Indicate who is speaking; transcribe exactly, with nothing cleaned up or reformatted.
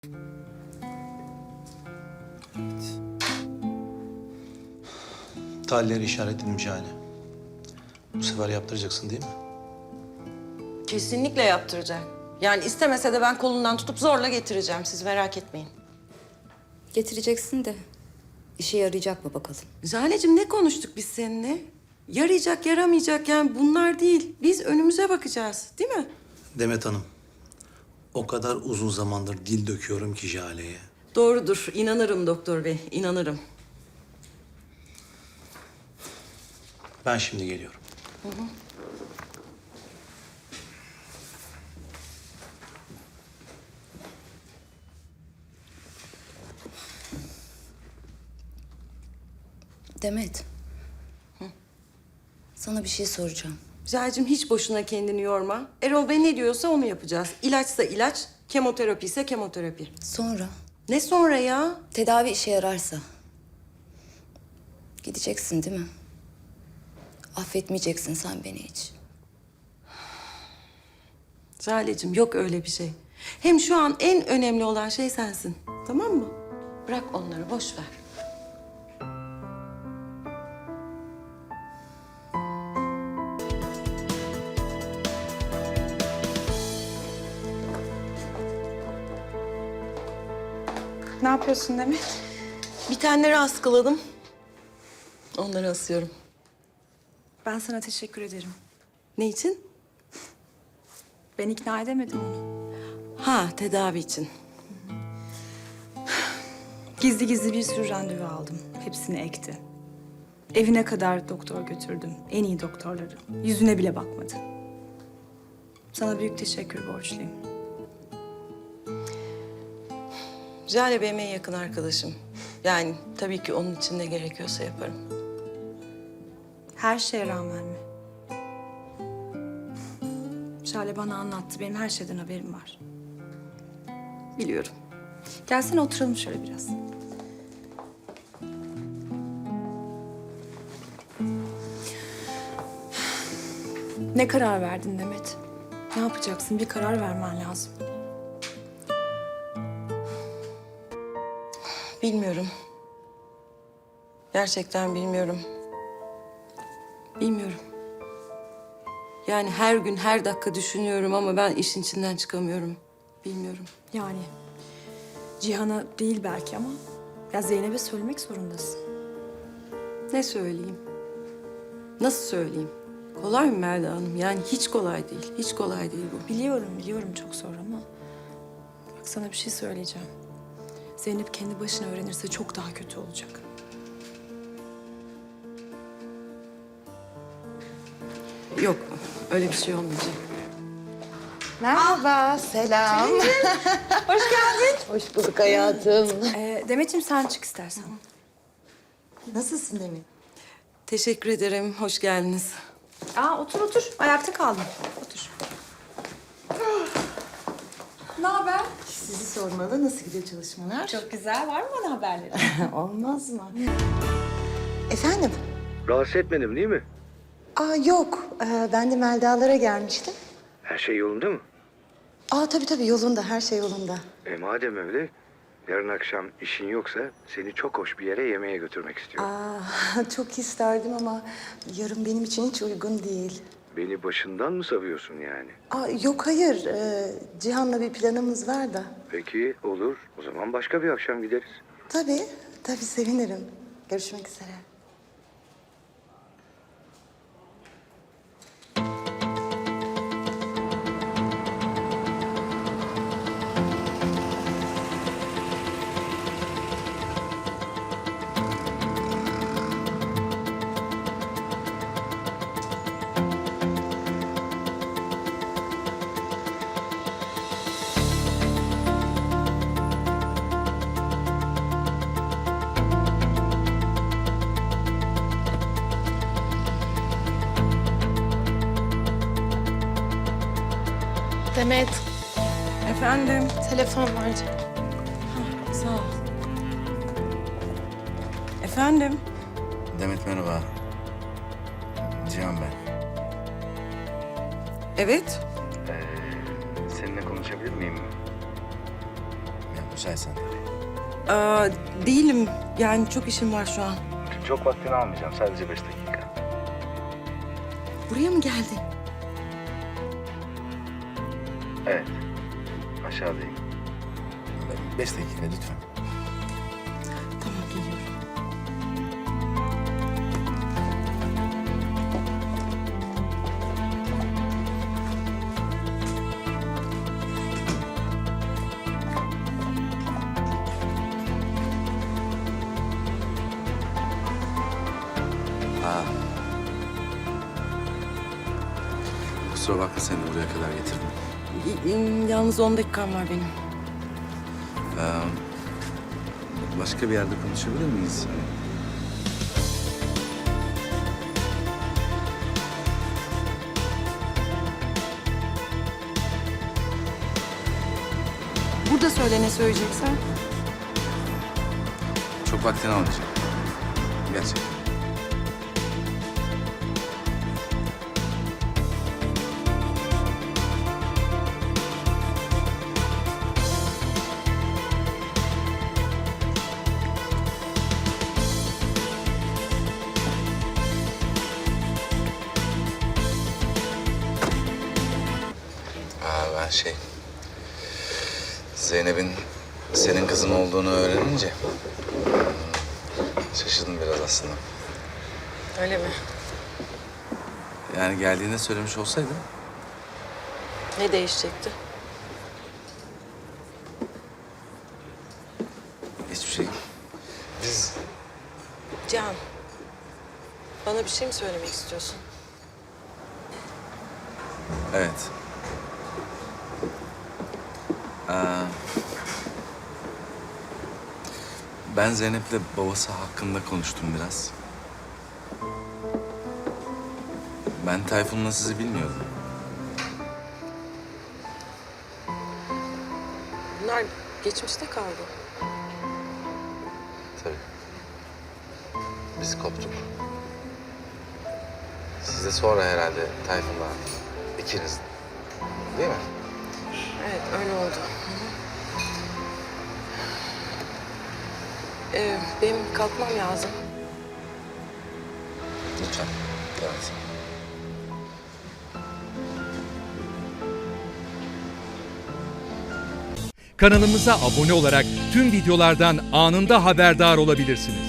Speaker 1: Tahlilleri işaretledim yani. Bu sefer yaptıracaksın değil mi?
Speaker 2: Kesinlikle yaptıracak. Yani istemese de ben kolundan tutup zorla getireceğim. Siz merak etmeyin.
Speaker 3: Getireceksin de işe yarayacak mı bakalım?
Speaker 2: Jale'cim ne konuştuk biz seninle? Yarayacak, yaramayacak yani bunlar değil. Biz önümüze bakacağız, değil mi?
Speaker 1: Demet Hanım, o kadar uzun zamandır dil döküyorum ki Jale'ye.
Speaker 2: Doğrudur. İnanırım doktor bey, inanırım.
Speaker 1: Ben şimdi geliyorum.
Speaker 2: Hı hı.
Speaker 3: Demet.
Speaker 2: Hı.
Speaker 3: Sana bir şey soracağım.
Speaker 2: Jale'cim hiç boşuna kendini yorma. Erol Bey ne diyorsa onu yapacağız. İlaçsa ilaç, kemoterapi ise kemoterapi.
Speaker 3: Sonra?
Speaker 2: Ne sonra ya?
Speaker 3: Tedavi işe yararsa. Gideceksin değil mi? Affetmeyeceksin sen beni hiç.
Speaker 2: Jale'cim yok öyle bir şey. Hem şu an en önemli olan şey sensin. Tamam mı? Bırak onları, boş ver.
Speaker 4: Ne yapıyorsun Demet?
Speaker 2: Bitenleri askıladım. Onları asıyorum.
Speaker 4: Ben sana teşekkür ederim.
Speaker 2: Ne için?
Speaker 4: Ben ikna edemedim onu.
Speaker 2: Ha, tedavi için.
Speaker 4: Gizli gizli bir sürü randevu aldım. Hepsini ekti. Evine kadar doktor götürdüm. En iyi doktorları. Yüzüne bile bakmadı. Sana büyük teşekkür borçluyum.
Speaker 2: Jale benim en yakın arkadaşım. Yani tabii ki onun için ne gerekiyorsa yaparım.
Speaker 4: Her şeye rağmen mi? Şale bana anlattı. Benim her şeyden haberim var.
Speaker 2: Biliyorum.
Speaker 4: Gelsene oturalım şöyle biraz. Ne karar verdin Demet? Ne yapacaksın? Bir karar vermen lazım.
Speaker 2: Bilmiyorum. Gerçekten bilmiyorum. Bilmiyorum. Yani her gün, her dakika düşünüyorum ama ben işin içinden çıkamıyorum. Bilmiyorum.
Speaker 4: Yani Cihan'a değil belki ama ya Zeynep'e söylemek zorundasın.
Speaker 2: Ne söyleyeyim? Nasıl söyleyeyim? Kolay mı Melda Hanım? Yani hiç kolay değil. Hiç kolay değil bu.
Speaker 4: Biliyorum, biliyorum çok zor ama bak sana bir şey söyleyeceğim. Zeynep kendi başına öğrenirse çok daha kötü olacak.
Speaker 2: Yok, öyle bir şey olmayacak.
Speaker 5: Merhaba, selam.
Speaker 4: Hoş geldin.
Speaker 5: Hoş bulduk hayatım.
Speaker 4: Ee, Demet'ciğim sen çık istersen.
Speaker 5: Nasılsın Demet?
Speaker 2: Teşekkür ederim. Hoş geldiniz.
Speaker 4: Aa otur otur. Ayakta kaldım. Otur. Ne haber?
Speaker 5: Sizi sormalı. Nasıl gidiyor çalışmalar?
Speaker 4: Çok güzel. Var mı bana haberleri?
Speaker 5: Olmaz mı? Efendim?
Speaker 6: Rahatsız etmedim değil mi?
Speaker 5: Aa yok. Ee, ben de Melda'lara gelmiştim.
Speaker 6: Her şey yolunda mı?
Speaker 5: Aa tabii tabii yolunda. Her şey yolunda.
Speaker 6: E madem öyle, yarın akşam işin yoksa seni çok hoş bir yere yemeğe götürmek istiyorum.
Speaker 5: Aa çok isterdim ama yarın benim için hiç uygun değil.
Speaker 6: Beni başından mı savuyorsun yani?
Speaker 5: Aa yok hayır. Ee, Cihan'la bir planımız var da.
Speaker 6: Peki olur. O zaman başka bir akşam gideriz.
Speaker 5: Tabii. Tabii sevinirim. Görüşmek üzere.
Speaker 7: Demet,
Speaker 2: Efendim?
Speaker 7: telefon var.
Speaker 2: Sağ ol. Efendim?
Speaker 8: Demet merhaba. Cihan ben.
Speaker 2: Evet.
Speaker 6: Seninle konuşabilir miyim?
Speaker 8: Ya Müsaitsen.
Speaker 2: Aa, değilim. Yani çok işim var şu an.
Speaker 8: Çok vaktini almayacağım. Sadece beş dakika.
Speaker 2: Buraya mı geldin?
Speaker 8: Evet. Aşağıdayım. Beş dakika lütfen.
Speaker 2: Tamam, geliyorum.
Speaker 8: Aa. Kusura bakma seni buraya kadar getirdim.
Speaker 2: Y- y- Yalnız on dakikam var benim.
Speaker 8: Ee, başka bir yerde konuşabilir miyiz?
Speaker 2: Burada söyle ne söyleyeceksen.
Speaker 8: Çok vaktini almayacağım. Gerçekten. Aa, ben şey... Zeynep'in senin kızın olduğunu öğrenince... Şaşırdım biraz aslında.
Speaker 2: Öyle mi?
Speaker 8: Yani geldiğinde söylemiş olsaydım...
Speaker 2: Ne değişecekti?
Speaker 8: Hiçbir şey. Biz...
Speaker 2: Can. Bana bir şey mi söylemek istiyorsun?
Speaker 8: Evet. Ee, ben Zeynep'le babası hakkında konuştum biraz. Ben Tayfun'la sizi bilmiyordum.
Speaker 2: Bunlar geçmişte kaldı.
Speaker 8: Tabii. Biz koptuk. Siz de sonra herhalde Tayfun'la ikiniz. Değil mi?
Speaker 2: Evet, öyle oldu. Ee, benim kalkmam lazım.
Speaker 8: Lütfen. Evet.
Speaker 9: Kanalımıza abone olarak tüm videolardan anında haberdar olabilirsiniz.